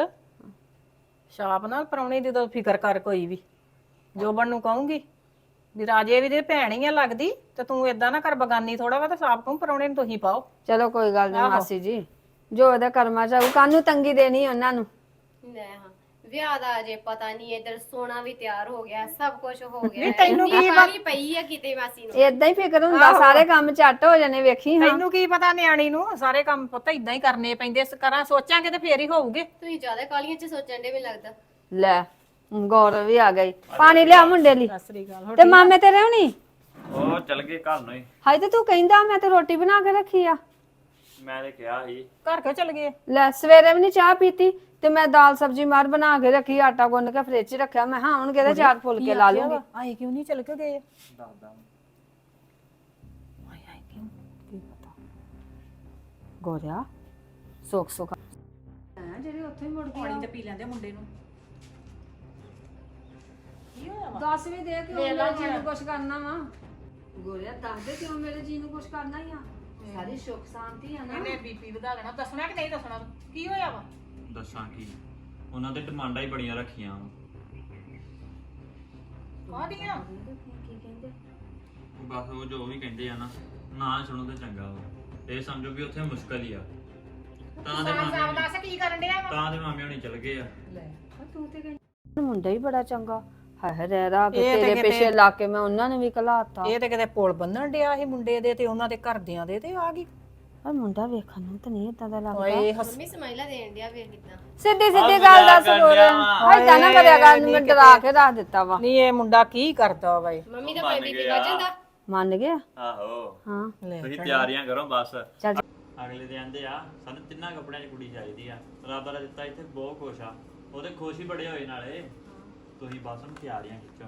[SPEAKER 1] ਛਾਪ ਨਾਲ ਪਰੌਣੇ ਦੀ ਤਾਂ ਫਿਕਰ ਕਰ। ਕੋਈ ਵੀ ਜੋਬਨ ਨੂੰ ਕਹੂੰਗੀ ਵੀ ਰਾਜੇ ਵੀ ਤੇ ਭੈਣ ਹੀ ਆ ਲੱਗਦੀ, ਤੇ ਤੂੰ ਏਦਾਂ ਨਾ ਕਰ ਬਗਾਨੀ ਥੋੜਾ ਵਾ। ਤੇ ਛਾਪ ਕਹੂੰ ਪਰੌਣੇ ਨੂੰ ਤੁਸੀਂ ਪਾਓ।
[SPEAKER 3] ਚਲੋ ਕੋਈ ਗੱਲ ਨਹੀਂ ਮਾਸੀ ਜੀ, ਜੋ ਉਹਦਾ ਕਰਮਾ ਚ ਆਊ। ਕਾਹਨੂੰ ਤੰਗੀ ਦੇਣੀ ਉਹਨਾਂ ਨੂੰ।
[SPEAKER 2] ਲੈ ਹਾਂ
[SPEAKER 4] ਵਿਆਹ ਦਾ ਅਜੇ ਪਤਾ ਨਹੀਂ, ਇਧਰ ਸੋਨਾ ਵੀ ਤਿਆਰ ਹੋ ਗਿਆ, ਸਭ ਕੁਝ ਹੋ ਗਿਆ।
[SPEAKER 1] ਨਹੀਂ, ਤੈਨੂੰ ਕੀ
[SPEAKER 4] ਪਾਣੀ ਪਈ ਆ ਕਿਤੇ ਮਾਸੀ ਨੂੰ।
[SPEAKER 3] ਏਦਾਂ ਹੀ ਫਿਕਰ ਹੁੰਦਾ, ਸਾਰੇ ਕੰਮ ਝੱਟ ਹੋ ਜਾਣੇ ਵੇਖੀ ਹਾਂ।
[SPEAKER 1] ਤੈਨੂੰ ਕੀ ਪਤਾ ਨਿਆਣੀ ਨੂੰ ਸਾਰੇ ਕੰਮ ਪੁੱਤ ਇਦਾਂ ਹੀ ਕਰਨੇ ਪੈਂਦੇ, ਕਰਾਂ ਸੋਚਾਂਗੇ ਤੇ ਫੇਰ ਹੀ ਹੋਊਗੇ।
[SPEAKER 4] ਤੁਸੀਂ ਜ਼ਿਆਦਾ ਕਾਲੀਆਂ 'ਚ ਸੋਚਣ ਦੇ, ਮੈਨੂੰ ਲੱਗਦਾ।
[SPEAKER 3] ਲੈ ਗੌਰਵ ਵੀ ਆ ਗਈ, ਪਾਣੀ ਲਿਆ ਮੁੰਡੇ ਲਈ।
[SPEAKER 1] ਸਤਿ ਸ੍ਰੀ ਅਕਾਲ।
[SPEAKER 3] ਤੇ ਮਾਮੇ ਤੇਰੇ ਹੋਣੀ
[SPEAKER 5] ਉਹ ਚਲ ਗਏ ਘਰ ਨੂੰ ਹੀ।
[SPEAKER 3] ਹਾਏ ਤੇ ਤੂੰ ਕਹਿੰਦਾ ਮੈਂ ਤੇ ਰੋਟੀ ਬਣਾ ਕੇ ਰੱਖੀ ਆ।
[SPEAKER 5] ਮੈਂ ਤੇ ਕਿਹਾ ਸੀ
[SPEAKER 1] ਘਰ ਕਿਉਂ ਚਲ ਗਏ?
[SPEAKER 3] ਲੈ ਸਵੇਰੇ ਵੀ ਨਹੀਂ ਚਾਹ ਪੀਤੀ ਤੇ ਮੈਂ ਦਾਲ ਸਬਜੀ ਮਾਰ ਬਣਾ ਕੇ ਰੱਖੀ, ਆਟਾ ਗੁੰਨ ਕੇ ਫ੍ਰਿਜ 'ਚ ਰੱਖਿਆ। ਮੈਂ ਹਾਂ ਹੁਣ ਕਿਹਦੇ ਚਾਰ ਫੁਲਕੇ ਲਾ ਲੂੰਗੀ।
[SPEAKER 1] ਆਏ ਕਿਉਂ ਨਹੀਂ ਚਲ ਕੇ ਗਏ?
[SPEAKER 5] ਦੱਸਦਾ
[SPEAKER 3] ਗੋਰਿਆ ਸੁੱਖ ਸੁੱਖ ਜਿਹੜੇ ਉੱਥੇ ਮੁੜ ਗਏ
[SPEAKER 1] ਪਾਣੀ ਤੇ ਪੀ ਲੈਂਦੇ ਮੁੰਡੇ ਨੂੰ। ਕੀ ਹੋਇਆ ਵਾ?
[SPEAKER 3] ਦੱਸ ਵੀ ਦੇ ਕਿ ਮੇਰੇ ਜੀ ਨੂੰ ਕੁਛ ਕਰਨਾ ਵਾ। ਗੋਰਿਆ ਦੱਸ ਦੇ ਕਿਉਂ ਮੇਰੇ ਜੀ ਨੂੰ ਕੁਛ ਕਰਨਾ ਹੀ ਆ। ਸਾਰੀ ਸੁੱਖ ਸ਼ਾਂਤੀ ਆ ਨਾ।
[SPEAKER 1] ਇਹਨੇ ਬੀਪੀ ਵਧਾ ਲੈਣਾ। ਦੱਸਣਾ ਕਿ ਨਹੀਂ ਦੱਸਣਾ? ਕੀ ਹੋਇਆ ਵਾ?
[SPEAKER 5] ਦੱਸਾਂ ਕੀ, ਉਹਨਾਂ ਦੇ ਡਿਮਾਂਡਾਂ ਹੀ ਬੜੀਆਂ ਰੱਖੀਆਂ
[SPEAKER 1] ਕਾਹਦੀਆਂ?
[SPEAKER 3] ਕੀ ਕਹਿੰਦੇ?
[SPEAKER 5] ਬਸ ਉਹ ਜੋ ਵੀ ਕਹਿੰਦੇ ਆ ਨਾ ਸੁਣੋ ਤੇ ਚੰਗਾ ਵਾ। ਇਹ ਸਮਝੋ ਵੀ ਉੱਥੇ ਮੁਸ਼ਕਲ ਹੀ ਆ। ਤਾਂ ਦੇ ਮਾਮੇ
[SPEAKER 1] ਦੱਸ ਕੀ ਕਰਨ ਡਿਆ ਵਾ?
[SPEAKER 5] ਤਾਂ ਦੇ ਮਾਮੇ ਹੋਣੀ ਚਲ ਗਏ ਆ।
[SPEAKER 3] ਤੂੰ ਤੇ ਕਹਿੰਦਾ ਮੁੰਡਾ ਹੀ ਬੜਾ ਚੰਗਾ। ਹਾਏ ਰਹਿ ਰਾ ਕੇ
[SPEAKER 1] ਇਹ ਤੇ
[SPEAKER 3] ਤੇਰੇ
[SPEAKER 1] ਕਿਤੇ-
[SPEAKER 3] ਪਿੱਛੇ ਲਾ ਕੇ ਮੈਂ ਉਹਨਾਂ ਨੇ ਵੀ ਘਲਾਤਾ।
[SPEAKER 1] ਇਹ ਤੇ ਕਿਤੇ ਪੁਲ ਬੰਨਣ ਡਿਆ ਸੀ ਮੁੰਡੇ ਦੇ ਤੇ ਉਹਨਾਂ ਦੇ ਘਰਦਿਆਂ ਦੇ, ਤੇ ਆ ਗਈ।
[SPEAKER 3] ਪਰ ਮੁੰਡਾ ਵੇਖਣ ਨੂੰ ਤਾਂ ਨਹੀਂ ਇਦਾਂ ਦਾ ਲੱਗਦਾ।
[SPEAKER 1] ਓਏ
[SPEAKER 4] ਮੰਮੀ ਸਮਾਈਲਾ ਦੇਣ ਡਿਆ, ਵੇਖ ਕਿਦਾਂ।
[SPEAKER 3] ਸਿੱਧੀ ਸਿੱਧੀ ਗੱਲ ਦੱਸ ਗੋਰਿਆ। ਹਾਏ ਤਾਂ ਨਾ ਕਰਿਆ ਕਰ, ਮੈਂ ਡਰਾ ਕੇ ਰੱਖ ਦਿੱਤਾ ਵਾ।
[SPEAKER 1] ਨਹੀਂ ਇਹ ਮੁੰਡਾ ਕੀ ਕਰਦਾ ਵਾ?
[SPEAKER 4] ਮੰਮੀ ਦਾ ਭਾਈ ਬੀਪੀ ਵੱਜ ਜਾਂਦਾ।
[SPEAKER 3] ਮੰਨ ਗਿਆ?
[SPEAKER 5] ਆਹੋ
[SPEAKER 3] ਹਾਂ
[SPEAKER 5] ਤੁਸੀਂ ਤਿਆਰੀਆਂ ਕਰੋ ਬਸ।
[SPEAKER 3] ਚੱਲ
[SPEAKER 5] ਅਗਲੇ ਦੇ ਆਂਦੇ ਆ ਸਾਨੂੰ ਤਿੰਨਾਂ ਕੱਪੜਿਆਂ 'ਚ ਕੁੜੀ ਚਾਹੀਦੀ ਆ। ਰੱਬ ਦਾ ਦਿੱਤਾ ਇੱਥੇ ਬਹੁਤ ਖੁਸ਼ ਆ, ਉਹਦੇ ਖੁਸ਼ ਹੀ ਬੜੇ ਹੋਏ ਨਾਲੇ। ਤੁਸੀਂ ਬਸ ਹੁਣ ਤਿਆਰੀਆਂ ਖਿੱਚੋ।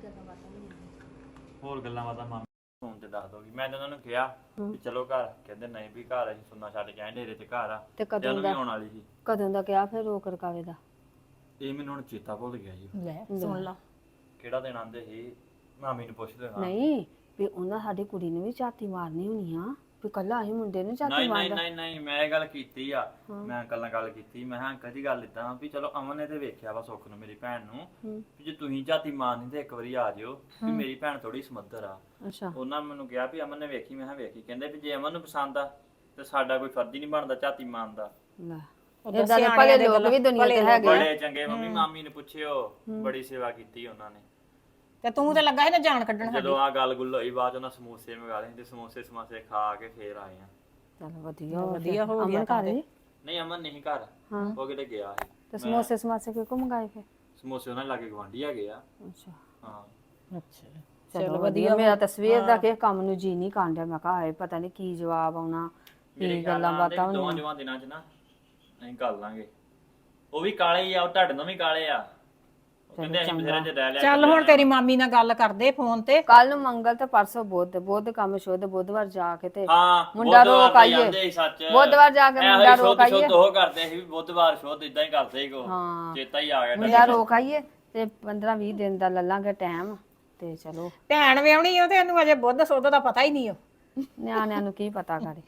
[SPEAKER 5] ਹੋਰ ਗੱਲਾਂ ਬਾਤਾਂ ਮਾਮੇ ਫੋਨ ਤੇ ਦੱਸ ਦੋਗੀ। ਮੈਂ ਤਾਂ ਉਹਨਾਂ ਨੂੰ ਕਿਹਾ ਵੀ ਚਲੋ ਘਰ, ਕਹਿੰਦੇ ਨਹੀਂ ਵੀ ਘਰ ਅਸੀਂ ਸੁਣਨਾ ਛੱਡ ਕੇ ਆਏ, ਡੇਰੇ 'ਚ ਘਰ ਆ।
[SPEAKER 3] ਤੇ
[SPEAKER 5] ਤੇ
[SPEAKER 3] ਕਦੋਂ
[SPEAKER 5] ਉਹਨੂੰ ਵੀ
[SPEAKER 3] ਦਾ
[SPEAKER 5] ਆਉਣ ਵਾਲੀ ਸੀ।
[SPEAKER 3] ਕਦੋਂ ਦਾ ਕਿਹਾ ਫਿਰ ਰੋਕ ਰਕਾਵੇ ਦਾ?
[SPEAKER 5] ਇਹ ਮੈਨੂੰ ਹੁਣ ਚੇਤਾ ਭੁੱਲ ਗਿਆ ਜੀ।
[SPEAKER 1] ਲੈ ਸੁਣ ਲਾ।
[SPEAKER 5] ਕਿਹੜਾ ਦਿਨ ਆਂਦੇ ਸੀ, ਮਾਮੀ ਨੂੰ ਪੁੱਛ ਲੈਣਾ।
[SPEAKER 3] ਨਹੀਂ ਵੀ ਉਹਨਾਂ ਸਾਡੀ ਕੁੜੀ ਨੂੰ ਵੀ ਝਾਤੀ ਮਾਰਨੀ ਹੋਣੀ ਆ, ਵੀ ਕੱਲਾ ਅਸੀਂ ਮੁੰਡੇ ਨੂੰ ਝਾਤੀ
[SPEAKER 5] ਨਹੀਂ
[SPEAKER 3] ਮਾਰਦਾ।
[SPEAKER 5] ਨਹੀਂ ਮੈਂ ਇਹ ਗੱਲ ਕੀਤੀ ਆ। ਮੈਂ ਅੰਕਲ ਨਾਲ ਗੱਲ ਕੀਤੀ। ਮੈਂ ਕਿਹਾ ਅੰਕਲ ਜੀ ਗੱਲ ਇਦਾਂ ਵੀ ਚਲੋ ਅਮਨ ਨੇ ਤੇ ਵੇਖਿਆ ਵਾ ਸੁੱਖ ਨੂੰ, ਮੇਰੀ ਭੈਣ ਨੂੰ, ਵੀ ਜੇ ਤੁਸੀਂ ਝਾਤੀ ਮਾਰਨੀ ਤੇ ਇੱਕ ਵਾਰੀ ਆ ਜਿਓ, ਵੀ ਮੇਰੀ ਭੈਣ ਥੋੜੀ ਸਮੱਧਰ ਆ।
[SPEAKER 3] ਅੱਛਾ
[SPEAKER 5] ਉਹਨਾਂ ਮੈਨੂੰ ਕਿਹਾ ਵੀ ਅਮਨ ਨੇ ਵੇਖੀ। ਮੈਂ ਕਿਹਾ ਵੇਖੀ। ਕਹਿੰਦੇ ਵੀ ਜੇ ਅਮਨ ਨੂੰ ਪਸੰਦ ਆ ਤੇ ਸਾਡਾ ਕੋਈ ਫਰਜ਼ ਹੀ ਨਹੀਂ ਬਣਦਾ ਝਾਤੀ ਮਾਰਨ ਦਾ।
[SPEAKER 3] ਲੈ ਇਦਾਂ ਦੇ ਭਲੇ ਲੋਕ ਵੀ ਦੁਨੀਆ ਤੇ ਹੈਗੇ ਆ।
[SPEAKER 5] ਬੜੇ ਚੰਗੇ। ਮੰਮੀ ਮਾਮੀ ਨੂੰ ਪੁੱਛਿਓ, ਬੜੀ ਸੇਵਾ ਕੀਤੀ ਉਹਨਾਂ ਨੇ।
[SPEAKER 1] ਤੇ ਤੂੰ ਤੇ ਲੱਗਾ ਸੀ ਨਾ ਜਾਨ ਕੱਢਣ।
[SPEAKER 5] ਜਦੋਂ ਆ ਗੱਲ ਗੁੱਲ ਹੋਈ, ਬਾਅਦ ਚ ਉਹਨਾਂ ਸਮੋਸੇ ਮੰਗਾ ਲਏ ਤੇ ਸਮੋਸੇ ਸਮਾਸੇ ਖਾ ਕੇ ਫੇਰ ਆਏ ਆ।
[SPEAKER 3] ਚਲ ਵਧੀਆ
[SPEAKER 1] ਵਧੀਆ ਹੋ ਗਿਆ।
[SPEAKER 3] ਅਮਨ ਘਰ ਹੀ?
[SPEAKER 5] ਨਹੀਂ ਅਮਨ ਨਹੀਂ ਘਰ, ਉਹ ਕਿਤੇ ਗਿਆ ਸੀ।
[SPEAKER 3] ਤੇ ਸਮੋਸੇ ਸਮਾਸੇ ਕਿਉਂ ਮੰਗਾਏ ਫਿਰ?
[SPEAKER 5] ਸਮੋਸੇ ਉਹਨਾਂ ਲਾਗੇ ਗਵਾਂਢੀ ਹੈਗੇ ਆ।
[SPEAKER 3] ਅੱਛਾ
[SPEAKER 5] ਹਾਂ
[SPEAKER 1] ਅੱਛਾ
[SPEAKER 3] ਚਲੋ ਵਧੀਆ। ਮੇਰਾ ਤਸਵੀਰ ਦਾ ਕਿਸੇ ਕੰਮ ਨੂੰ ਜੀ ਨਹੀਂ ਕਾਂਡਿਆ। ਮੈਂ ਕਿਹਾ ਹਾਏ ਪਤਾ ਨਹੀਂ ਕੀ ਜਵਾਬ ਆਉਣਾ, ਕੀ ਗੱਲਾਂ ਬਾਤਾਂ
[SPEAKER 5] ਦੋਵਾਂ ਜਵਾਂ ਦਿਨਾਂ ਚ ਨਾ ਅਸੀਂ ਕਰ ਲਾਂਗੇ। ਉਹ ਵੀ ਕਾਲੇ ਹੀ ਆ, ਉਹ ਤੁਹਾਡੇ ਨਾਲ ਵੀ ਕਾਲੇ ਆ। ਉਹ ਕਹਿੰਦੇ ਅਸੀਂ ਬਥੇਰੇ ਚ ਰਹਿ ਲਿਆ।
[SPEAKER 1] ਚੱਲ ਹੁਣ ਤੇਰੀ ਮਾਮੀ ਨਾਲ ਗੱਲ ਕਰਦੇ ਫੋਨ ਤੇ।
[SPEAKER 3] ਕੱਲ ਨੂੰ ਮੰਗਲ ਤੇ ਪਰਸੋਂ ਬੁੱਧ ਕੰਮ ਸ਼ੁੱਧ, ਬੁੱਧਵਾਰ ਜਾ ਕੇ ਤੇ
[SPEAKER 5] ਹਾਂ
[SPEAKER 3] ਮੁੰਡਾ ਰੋਕ ਆਈਏ। ਬੁੱਧਵਾਰ ਜਾ ਕੇ ਮੁੰਡਾ ਰੋਕ ਆਈਏ।
[SPEAKER 5] ਸ਼ੁੱਧ ਉਹ ਕਰਦੇ ਸੀ ਵੀ ਬੁੱਧਵਾਰ ਸ਼ੁੱਧ ਇਦਾਂ ਹੀ ਕਰਦੇ ਸੀ ਕੋ।
[SPEAKER 3] ਹਾਂ
[SPEAKER 5] ਚੇਤਾ ਹੀ ਆ ਗਿਆ।
[SPEAKER 3] ਮੁੰਡਾ ਰੋਕ ਆਈਏ ਤੇ 15-20 ਦਿਨ ਦਾ ਲੱਲਾਂਗੇ ਟਾਈਮ ਤੇ ਚਲੋ।
[SPEAKER 1] ਭੈਣ ਵਿਆਹਣੀ ਉਹ ਤੇ ਇਹਨੂੰ ਅਜੇ ਬੁੱਧ ਸੁੱਧ ਦਾ ਪਤਾ ਹੀ ਨਹੀਂ।
[SPEAKER 3] ਨਿਆਣਿਆਂ ਨੂੰ ਕੀ ਪਤਾ ਕਰੇ।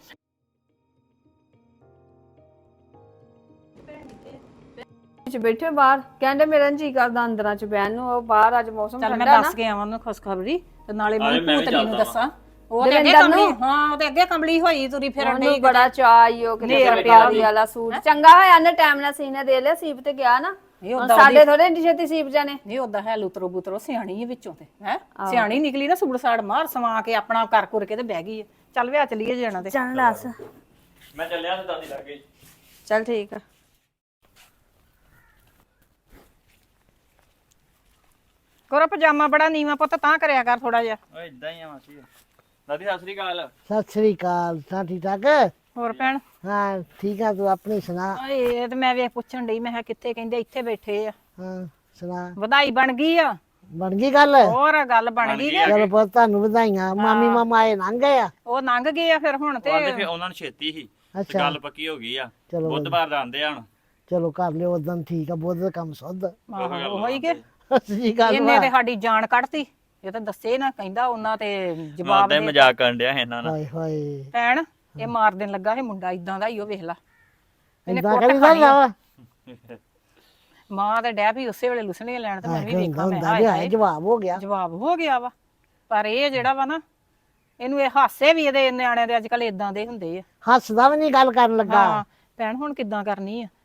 [SPEAKER 3] ਵਿੱਚ ਬੈਠੇ ਬਾਹਰ ਕਹਿੰਦੇ ਮੇਰਾ ਜੀ ਕਰਦਾ ਅੰਦਰਾਂ ਚ ਬਹਿਣ ਨੂੰ। ਉਹ ਬਾਹਰ ਅੱਜ ਮੌਸਮ
[SPEAKER 1] ਚੱਲ ਮੈਂ
[SPEAKER 3] ਠੰਡਾ ਨਾ।
[SPEAKER 1] ਦੱਸ ਕੇ ਆਵਾਂ ਉਹਨੂੰ ਖੁਸ਼ਖਬਰੀ ਤੇ ਨਾਲੇ
[SPEAKER 5] ਮੈਂ
[SPEAKER 1] ਮੇਰੀ
[SPEAKER 5] ਵੀ
[SPEAKER 1] ਭੂਤਨੀ ਨੂੰ
[SPEAKER 5] ਚੱਲਦਾ
[SPEAKER 1] ਦੱਸਾਂ। ਉਹ ਤੇ ਅੱਗੇ ਕੰਬਲੀ, ਹਾਂ ਉਹ ਤੇ ਅੱਗੇ ਕੰਬਲੀ ਹੋਈ ਤੁਰੀ ਫਿਰਨ
[SPEAKER 3] ਉਹਨੂੰ
[SPEAKER 1] ਡਈ।
[SPEAKER 3] ਬੜਾ ਚਾਅ ਈ ਉਹ ਕਿਤੇ ਸਰਕਾਰੀ ਵਾਲਾ ਸੂਟ ਚੰਗਾ ਹੋਇਆ ਨੇ ਟਾਈਮ ਨਾਲ ਸੀਨੇ ਦੇ ਲਿਆ। ਸੀਪ ਤੇ ਗਿਆ ਨਾ,
[SPEAKER 1] ਨਹੀਂ
[SPEAKER 3] ਹੁਣ
[SPEAKER 1] ਓਦਾਂ
[SPEAKER 3] ਸਾਡੇ ਥੋੜੇ ਇੰਨੀ ਛੇਤੀ ਸੀਪ ਜਾਣੇ।
[SPEAKER 1] ਨਹੀਂ ਓਦਾਂ ਹੈ ਲੁਤਰੋ ਬੁਤਰੋ ਸਿਆਣੀ ਹੈ ਵਿੱਚੋਂ ਤੇ ਹੈ ਸਿਆਣੀ ਨਿਕਲੀ ਨਾ। ਸੁਬੜ ਸਾੜ ਮਾਰ ਸਵਾ ਕੇ ਆਪਣਾ ਕਰ ਕੁਰ ਕੇ ਤੇ ਬਹਿ ਗਈ ਹੈ। ਚੱਲ ਵਿਆਹ ਚਲੀਏ ਜਾਣਾ ਤੇ।
[SPEAKER 3] ਚੱਲ ਦੱਸ।
[SPEAKER 5] ਮੈਂ ਚੱਲਿਆ ਤੇ ਦਾਦੀ ਲੱਗ ਗਈ।
[SPEAKER 3] ਚੱਲ ਠੀਕ ਆ।
[SPEAKER 1] ਕੋਰਾ ਪਜਾਮਾ ਬੜਾ ਨੀਵਾ ਪੁੱਤ ਤਾਂ ਕਰਿਆ ਕਰ ਥੋੜਾ ਜਿਹਾ।
[SPEAKER 5] ਓਏ ਇਦਾਂ ਹੀ ਆ ਮਾਸੀ। ਦਾਦੀ ਸਤਿ ਸ੍ਰੀ ਅਕਾਲ।
[SPEAKER 6] ਸਤਿ ਸ੍ਰੀ ਅਕਾਲ। ਤਾਂ ਠੀਕ ਠਾਕ?
[SPEAKER 1] ਹੋਰ ਭੈਣ?
[SPEAKER 6] ਹਾਂ ਠੀਕ ਆ। ਤੂੰ ਆਪਣੀ ਸੁਣਾ।
[SPEAKER 1] ਇਹ ਤੇ ਮੈਂ ਵੇਖ ਪੁੱਛਣ ਡਈ, ਮੈਂ ਕਿਹਾ ਕਿੱਥੇ? ਕਹਿੰਦੇ ਇੱਥੇ ਬੈਠੇ ਆ।
[SPEAKER 6] ਹਾਂ ਸੁਣਾ।
[SPEAKER 1] ਵਧਾਈ ਬਣ ਗਈ ਆ।
[SPEAKER 6] ਬਣ ਗਈ ਗੱਲ?
[SPEAKER 1] ਹੋਰ ਗੱਲ ਬਣ ਗਈ ਕਿ
[SPEAKER 6] ਚਲੋ ਬਹੁਤ ਤੁਹਾਨੂੰ ਵਧਾਈਆਂ। ਮਾਮੀ ਮਾਮਾ ਆਏ ਲੰਘ ਗਏ ਆ?
[SPEAKER 1] ਉਹ ਲੰਘ ਗਏ ਆ ਫਿਰ ਹੁਣ ਤੇ।
[SPEAKER 5] ਕਹਿੰਦੇ ਫਿਰ ਉਹਨਾਂ ਨੂੰ ਛੇਤੀ ਸੀ ਤੇ ਗੱਲ ਪੱਕੀ ਹੋ ਗਈ ਆ।
[SPEAKER 6] ਚਲੋ
[SPEAKER 5] ਬੁੱਧਵਾਰ ਦਾ ਆਂਦੇ ਆ ਹੁਣ।
[SPEAKER 6] ਚਲੋ ਕਰ ਲਿਓ ਉਦੋਂ। ਠੀਕ ਆ। ਬਹੁਤ ਦਾ ਕੰਮ ਸੁੱਧ।
[SPEAKER 1] ਉਹ ਹੀ ਕਿ
[SPEAKER 6] ਸਹੀ ਗੱਲ
[SPEAKER 1] ਇਹਨੇ ਤੇ ਸਾਡੀ ਜਾਨ ਕੱਢਤੀ। ਇਹ ਤਾਂ ਦੱਸੇ ਨਾ, ਕਹਿੰਦਾ ਉਹਨਾਂ ਤੇ ਜਵਾਬ
[SPEAKER 5] ਮਾਰਦੇ ਮਜ਼ਾਕ ਕਰਨ ਡਿਆ ਇਹਨਾਂ ਨਾਲ।
[SPEAKER 6] ਹਾਏ ਹਾਏ
[SPEAKER 1] ਭੈਣ ਇਹ ਮਾਰ ਦੇਣ ਲੱਗਾ ਇਹ ਮੁੰਡਾ ਇਦਾਂ ਦਾ ਹੀ। ਉਹ ਵੇਖ ਲਾ
[SPEAKER 6] ਇਦਾਂ ਕਰੀਦਾ ਵਾ।
[SPEAKER 1] ਮਾਂ ਤੇ ਡੈ ਵੀ ਉਸੇ ਵੇਲੇ ਲੁਸਣੀਆਂ ਲੈਣ ਤੇ ਮੈਂ ਵੀ ਵੇਖਾਂ। ਮੈਂ
[SPEAKER 6] ਹੁੰਦਾ ਵੀ ਜਵਾਬ ਹੋ ਗਿਆ।
[SPEAKER 1] ਜਵਾਬ ਹੋ ਗਿਆ ਵਾ। ਪਰ ਇਹ ਜਿਹੜਾ ਵਾ ਨਾ, ਇਹਨੂੰ ਇਹ ਹਾਸੇ ਵੀ ਇਹਦੇ ਨਿਆਣਿਆਂ ਦੇ ਅੱਜ ਕੱਲ ਇਦਾਂ ਦੇ ਹੁੰਦੇ ਆ।
[SPEAKER 6] ਹੱਸਦਾ ਵੀ ਨਹੀਂ ਗੱਲ ਕਰਨ ਲੱਗਾ।
[SPEAKER 1] ਹਾਂ ਭੈਣ ਹੁਣ ਕਿੱਦਾਂ ਕਰਨੀ ਆ?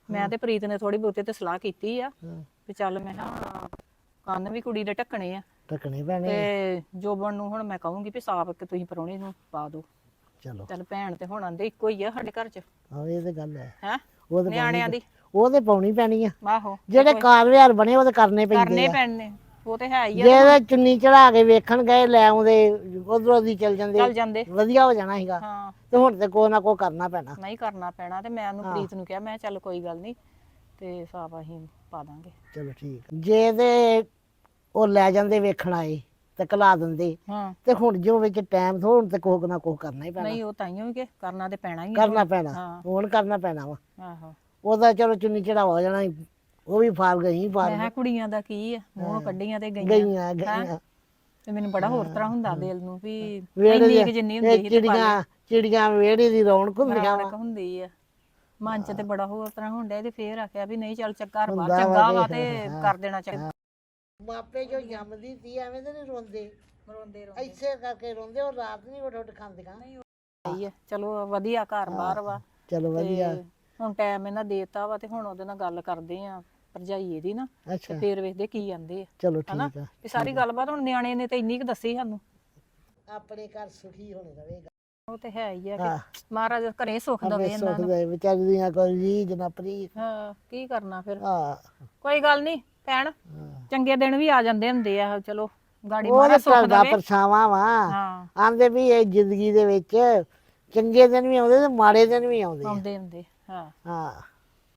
[SPEAKER 1] ਮੈਂ ਤੇ ਪ੍ਰੀਤ ਨੇ ਥੋੜੀ ਬਹੁਤੇ ਤੇ ਸਲਾਹ ਕੀਤੀ ਆ
[SPEAKER 6] ਹਾਂ।
[SPEAKER 1] ਵੀ ਚੱਲ ਮੈਂ ਕਿਹਾ ਕੰਨ ਵੀ ਕੁੜੀ ਦੇ ਢੱਕਣੇ ਆ
[SPEAKER 6] ਟਕਣੇ ਪੈਣੇ
[SPEAKER 1] ਤੇ ਜੋਬਨ ਨੂੰ ਹੁਣ ਮੈਂ ਕਹੂੰਗੀ ਵੀ ਸਾਫ ਕਿ ਤੁਸੀਂ ਪਰੌਣੇ ਨੂੰ ਪਾ ਦਿਓ।
[SPEAKER 6] ਚਲੋ
[SPEAKER 1] ਚੱਲ ਭੈਣ ਤੇ ਹੁਣ ਆਂਦੇ ਇੱਕੋ ਹੀ ਆ ਸਾਡੇ ਘਰ 'ਚ
[SPEAKER 6] ਆਹ ਇਹ ਤੇ ਗੱਲ ਹੈ
[SPEAKER 1] ਹੈ
[SPEAKER 6] ਉਹ ਤੇ
[SPEAKER 1] ਨਿਆਣਿਆਂ ਦੀ
[SPEAKER 6] ਉਹ ਤੇ ਪਾਉਣੀ ਪੈਣੀ ਆ
[SPEAKER 1] ਆਹੋ
[SPEAKER 6] ਜਿਹੜੇ ਕਾਰ ਵਿਹਾਰ ਬਣੇ ਉਹ ਤੇ ਕਰਨੇ ਪੈਂਦੇ
[SPEAKER 1] ਕਰਨੇ
[SPEAKER 6] ਆ
[SPEAKER 1] ਪੈਣੇ ਉਹ ਤੇ ਹੈ ਹੀ ਆ
[SPEAKER 6] ਜਿਹੜੇ ਚੁੰਨੀ ਚੜਾ ਕੇ ਵੇਖਣ ਗਏ ਲੈ ਆਉਂਦੇ ਉਧਰੋਂ ਦੀ ਚੱਲ
[SPEAKER 1] ਚੱਲ
[SPEAKER 6] ਜਾਂਦੇ
[SPEAKER 1] ਜਾਂਦੇ
[SPEAKER 6] ਵਧੀਆ ਹੋ ਜਾਣਾ ਸੀਗਾ
[SPEAKER 1] ਹਾਂ
[SPEAKER 6] ਤੇ ਹੁਣ ਤੇ ਕੋਈ ਨਾ ਕੋਈ ਕਰਨਾ ਪੈਣਾ
[SPEAKER 1] ਨਹੀਂ ਕਰਨਾ ਪੈਣਾ ਤੇ ਮੈਂ ਉਹਨੂੰ ਪ੍ਰੀਤ ਨੂੰ ਕਿਹਾ ਮੈਂ ਕਿਹਾ ਚੱਲ ਕੋਈ ਗੱਲ ਨਹੀਂ ਤੇ ਸਾਫ ਅਸੀਂ ਪਾ ਦਾਂਗੇ
[SPEAKER 6] ਚਲੋ ਠੀਕ ਜੇ ਤੇ ਉਹ ਲੈ ਜਾਂਦੇ ਵੇਖਣ ਆਏ ਤੇ ਕਲਾ ਦਿੰਦੇ
[SPEAKER 1] ਹਾਂ
[SPEAKER 6] ਤੇ ਹੁਣ ਜੋ ਵਿੱਚ ਟਾਈਮ ਹੁਣ ਤੇ ਕੋਈ ਨਾ ਕੋਈ ਕਰਨਾ ਹੀ ਪੈਣਾ
[SPEAKER 1] ਨਹੀਂ ਉਹ ਤਾਈਓ ਵੀ ਕਿ ਕਰਨਾ ਤੇ ਪੈਣਾ ਹੀ ਆ
[SPEAKER 6] ਕਰਨਾ ਪੈਣਾ
[SPEAKER 1] ਹਾਂ।
[SPEAKER 6] ਹੁਣ ਕਰਨਾ ਪੈਣਾ ਵਾ
[SPEAKER 1] ਆਹੋ
[SPEAKER 6] ਉਹਦਾ ਚਲੋ ਚੁੰਨੀ ਚੜਾਵਾ ਹੋ ਜਾਣਾ ਸੀ, ਉਹ ਵੀ ਫਾਲ ਗਈ
[SPEAKER 1] ਮੈਂ
[SPEAKER 6] ਫਾਲ
[SPEAKER 1] ਕਿਹਾ ਕੁੜੀਆਂ ਦਾ ਕੀ ਆ ਮੂੰਹ ਕੱਢੀਆਂ ਤੇ ਗਈਆਂ
[SPEAKER 6] ਗਈਆਂ ਗਈਆਂ
[SPEAKER 1] ਤੇ ਮੈਨੂੰ ਬੜਾ ਹੋਰ ਤਰ੍ਹਾਂ ਹੁੰਦਾ ਦਿਲ ਨੂੰ ਵੀ
[SPEAKER 6] ਵੇੜੇ
[SPEAKER 1] ਇੰਨੀ ਕੁ ਜਿੰਨੀ ਹੁੰਦੀ ਸੀ ਤੇ
[SPEAKER 6] ਚਿੜੀਆਂ ਚਿੜੀਆਂ ਵੇੜੇ ਦੀ ਰੌਣਕ ਹੁੰਦੀਆਂ
[SPEAKER 1] ਰੌਣਕ ਹੁੰਦੀ ਆ ਮਨ ਚ ਤੇ ਬੜਾ ਹੋਰ ਤਰ੍ਹਾਂ ਹੁੰਦਾ ਤੇ ਫੇਰ ਆਖਿਆ ਵੀ ਨਹੀਂ ਚੱਲ ਘਰ ਬਾਹਰ
[SPEAKER 6] ਹੁੰਦਾ ਵਾ
[SPEAKER 1] ਚੰਗਾ
[SPEAKER 6] ਤੇ
[SPEAKER 1] ਵਾ ਤੇ ਕਰ ਦੇਣਾ ਚਾਹੀਦਾ
[SPEAKER 6] ਮਾਪੇ ਜੋ ਜੰਮਦੀ ਸੀ ਐਵੇਂ ਤੇ ਨਹੀਂ ਰੋਂਦੇ
[SPEAKER 1] ਰੋਂਦੇ
[SPEAKER 6] ਇੱਥੇ ਕਰਕੇ ਰੋਂਦੇ ਉਹ ਰਾਤ ਨਹੀਂ ਉੱਠ ਉੱਠ ਖਾਂਦੀਆਂ
[SPEAKER 1] ਰੋਂਦੇ ਚਲੋ ਵਧੀਆ ਘਰ ਬਾਹਰ ਵਾ
[SPEAKER 6] ਚਲੋ ਵਧੀਆ
[SPEAKER 1] ਤੇ ਹੁਣ ਟਾਈਮ ਇਹਨਾਂ ਦੇਤਾ ਵਾ ਤੇ ਹੁਣ ਉਹਦੇ ਨਾਲ ਗੱਲ ਕਰਦੇ ਆ ਭਰਜਾਈ ਇਹਦੀ ਨਾ
[SPEAKER 6] ਅੱਛਾ
[SPEAKER 1] ਤੇ ਫੇਰ ਵੇਖਦੇ ਕੀ ਆਂਦੇ ਆ
[SPEAKER 6] ਚਲੋ
[SPEAKER 1] ਹਨਾ
[SPEAKER 6] ਠੀਕ ਆ
[SPEAKER 1] ਤੇ ਸਾਰੀ ਗੱਲਬਾਤ ਹੁਣ ਨਿਆਣੇ ਨੇ ਤੇ ਇੰਨੀ ਕੁ ਦੱਸੀ ਸਾਨੂੰ
[SPEAKER 6] ਆਪਣੇ ਘਰ ਸੁਖੀ ਹੋਣੇ ਰਵੇਗਾ
[SPEAKER 1] ਉਹ ਤੇ ਹੈ ਹੀ ਆ
[SPEAKER 6] ਹਾਂ।
[SPEAKER 1] ਕਿ ਮਹਾਰਾਜ ਘਰੇ ਸੁੱਖ ਦਵੇ
[SPEAKER 6] ਆਪਣੇ
[SPEAKER 1] ਇਹਨਾਂ
[SPEAKER 6] ਸੁਖ
[SPEAKER 1] ਨੂੰ
[SPEAKER 6] ਦੇ ਵਿਚਾਰੀ ਦੀਆਂ ਕੋਈ ਰੀਝ ਨਾ ਪ੍ਰੀਤ
[SPEAKER 1] ਹਾਂ ਕੀ ਕਰਨਾ ਫਿਰ
[SPEAKER 6] ਹਾਂ
[SPEAKER 1] ਕੋਈ ਗੱਲ ਨਹੀਂ ਭੈਣ ਚੰਗੇ ਦਿਨ ਵੀ ਆ ਜਾਂਦੇ ਹੁੰਦੇ ਆ ਚਲੋ ਗਾੜੀ
[SPEAKER 6] ਉਹ
[SPEAKER 1] ਮਹਾਰਾਜ ਸੁੱਖ
[SPEAKER 6] ਘਰ ਦਾ
[SPEAKER 1] ਦਵੇ
[SPEAKER 6] ਪਰਛਾਵਾਂ ਵਾ
[SPEAKER 1] ਹਾਂ
[SPEAKER 6] ਆਂਦੇ ਵੀ ਇਹ ਜ਼ਿੰਦਗੀ ਦੇ ਵਿੱਚ ਚੰਗੇ ਦਿਨ ਵੀ ਆਉਂਦੇ ਤੇ ਮਾੜੇ ਦਿਨ ਵੀ ਆਉਂਦੇ ਆ
[SPEAKER 1] ਆਉਂਦੇ ਹੁੰਦੇ ਹਾਂ
[SPEAKER 6] ਹਾਂ